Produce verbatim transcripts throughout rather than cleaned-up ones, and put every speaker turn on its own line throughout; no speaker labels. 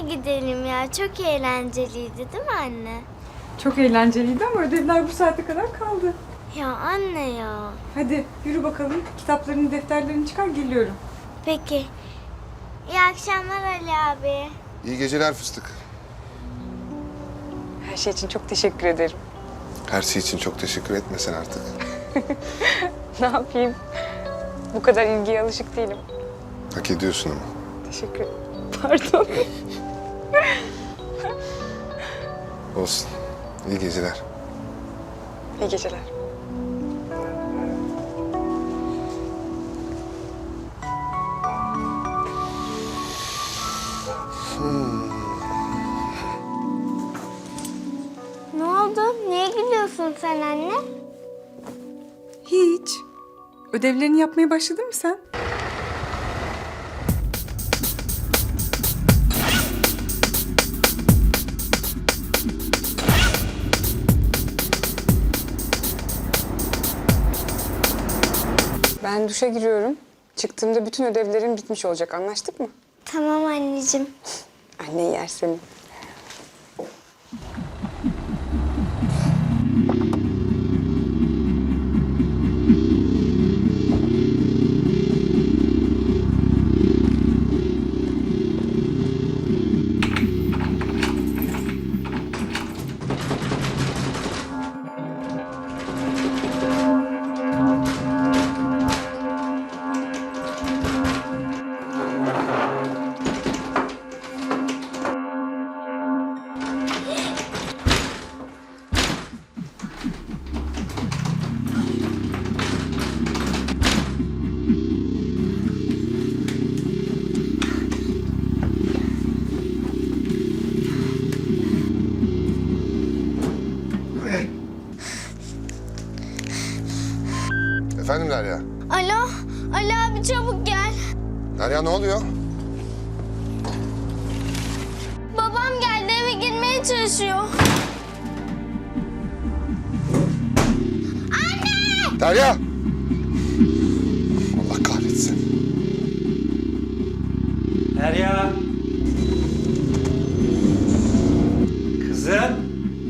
gidelim ya. Çok eğlenceliydi değil mi anne?
Çok eğlenceliydi ama ödevler bu saate kadar kaldı.
Ya anne ya.
Hadi yürü bakalım. Kitaplarını, defterlerini çıkar, geliyorum.
Peki. İyi akşamlar Ali abi.
İyi geceler fıstık.
Her şey için çok teşekkür ederim.
Her şey için çok teşekkür etmesen artık.
Ne yapayım? Bu kadar ilgiye alışık değilim.
Hak ediyorsun ama.
Teşekkür ederim. Pardon.
Olsun. İyi geceler.
İyi geceler.
Ne oldu? Niye gülüyorsun sen anne?
Hiç. Ödevlerini yapmaya başladın mı sen? Ben duşa giriyorum. Çıktığımda bütün ödevlerim bitmiş olacak. Anlaştık mı?
Tamam anneciğim.
Anne yer seni.
Efendim Derya?
Alo. Ali abi çabuk gel.
Derya ne oluyor?
Babam geldi, eve girmeye çalışıyor.
Derya! Allah kahretsin.
Derya. Kızım.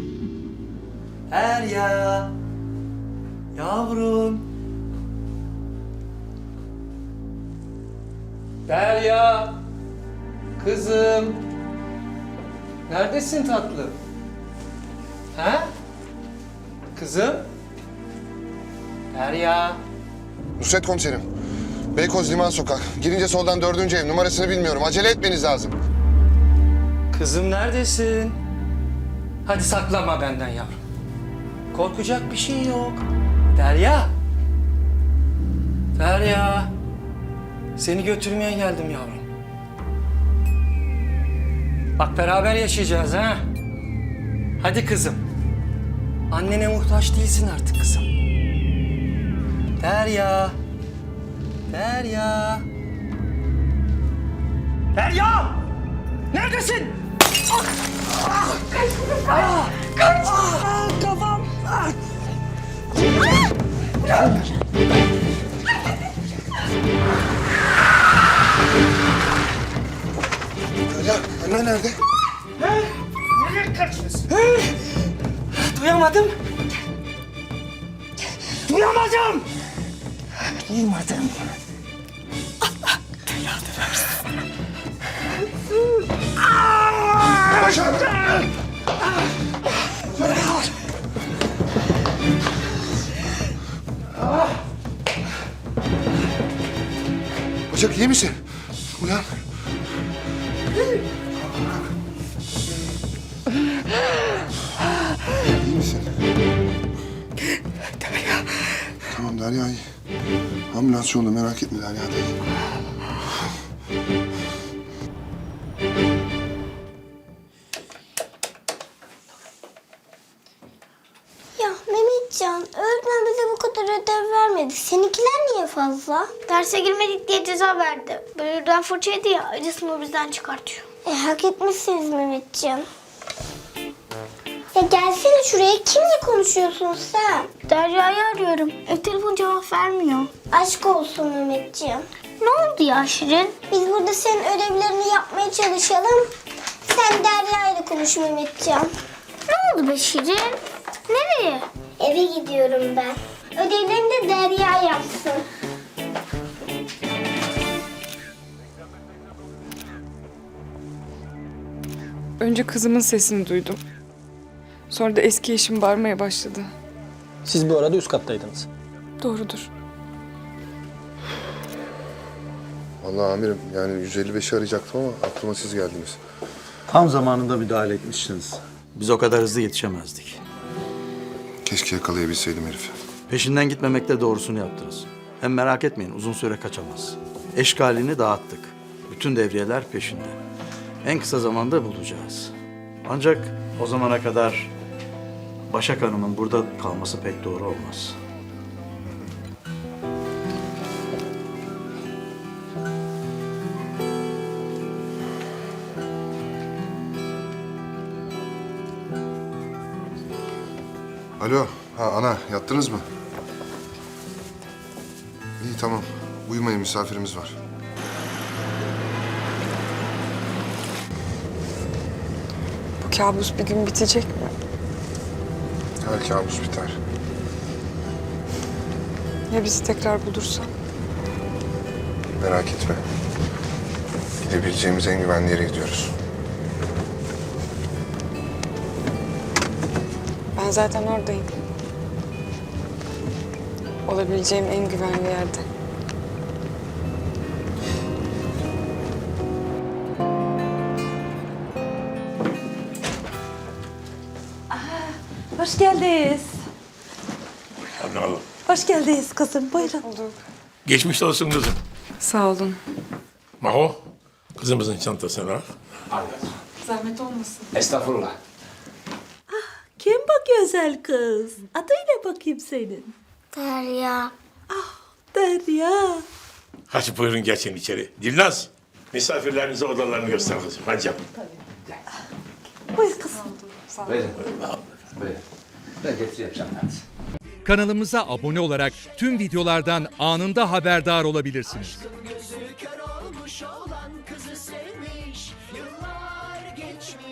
Derya. Yavrum. Derya. Kızım. Neredesin tatlım? Ha? Kızım. Derya.
Nusret komiserim. Beykoz Liman Sokak. Girince soldan dördüncü ev. Numarasını bilmiyorum. Acele etmeniz lazım.
Kızım neredesin? Hadi saklanma benden yavrum. Korkacak bir şey yok. Derya. Derya. Seni götürmeye geldim yavrum. Bak beraber yaşayacağız ha. Hadi kızım. Annene muhtaç değilsin artık kızım. Derya. Derya. Derya! Neredesin? Ah! Ah! Ah! Kaç! Ah! Kafam! Ah!
Derya, annen nerede?
Nereye kaçıyorsun? Duyamadım. Duyamadım. Duymadım. Allah belanı versin.
Başak! Başak iyi misin? Uyan. İyi misin?
Derya.
Tamam Derya iyi. Ambulans yolda merak etme Derya da iyi.
Ya Mehmetcan, öğretmen bize bu kadar ödev vermedi. Seninkiler niye fazla? Derse girmedik diye ceza verdi. Böyleden fırça yedi ya, acısını bizden çıkartıyor. E hak etmişsiniz Mehmetcan. Ya gelsene şuraya, kimle konuşuyorsun sen? Derya'yı arıyorum. E, telefon cevap vermiyor. Aşk olsun Mehmetciğim. Ne oldu ya Şirin? Biz burada senin ödevlerini yapmaya çalışalım. Sen Derya ile konuş Mehmetcan. Ne oldu be Şirin? Nereye? Eve gidiyorum ben. Ödevlerini de Derya yapsın.
Önce kızımın sesini duydum. Sonra da eski eşim bağırmaya başladı.
Siz bu arada üst kattaydınız.
Doğrudur.
Vallahi amirim yani yüz elli beşi arayacaktım ama aklıma siz geldiniz.
Tam zamanında müdahale etmişsiniz. Biz o kadar hızlı yetişemezdik.
Keşke yakalayabilseydim herifi.
Peşinden gitmemekle doğrusunu yaptınız. Hem merak etmeyin, uzun süre kaçamaz. Eşkalini dağıttık. Bütün devriyeler peşinde. En kısa zamanda bulacağız. Ancak o zamana kadar Başak Hanım'ın burada kalması pek doğru olmaz.
Alo, ha ana yattınız mı? İyi tamam. Uyumayın misafirimiz var.
Bu kabus bir gün bitecek mi?
Her kabus biter.
Ya bizi tekrar bulursa?
Merak etme. Gidebileceğimiz en güvenli yere gidiyoruz.
Ben zaten oradayım. Olabileceğim en güvenli yerde.
Hoş geldiniz.
Anladım.
Hoş geldiniz kızım. Buyurun.
Geçmiş olsun kızım.
Sağ olun.
Maho, kızımızın çantasını al.
Zahmet olmasın.
Estağfurullah.
Kim bu güzel kız? Adıyla bakayım senin.
Derya.
Derya.
Hadi buyurun geçin içeri. Dilnaz, misafirlerinize odalarını göster kızım. Hadi canım.
Buyur kızım.
Buyurun. Buyurun. Ben getireyim hadi.
Kanalımıza abone olarak tüm videolardan anında haberdar olabilirsiniz.
Gözü kör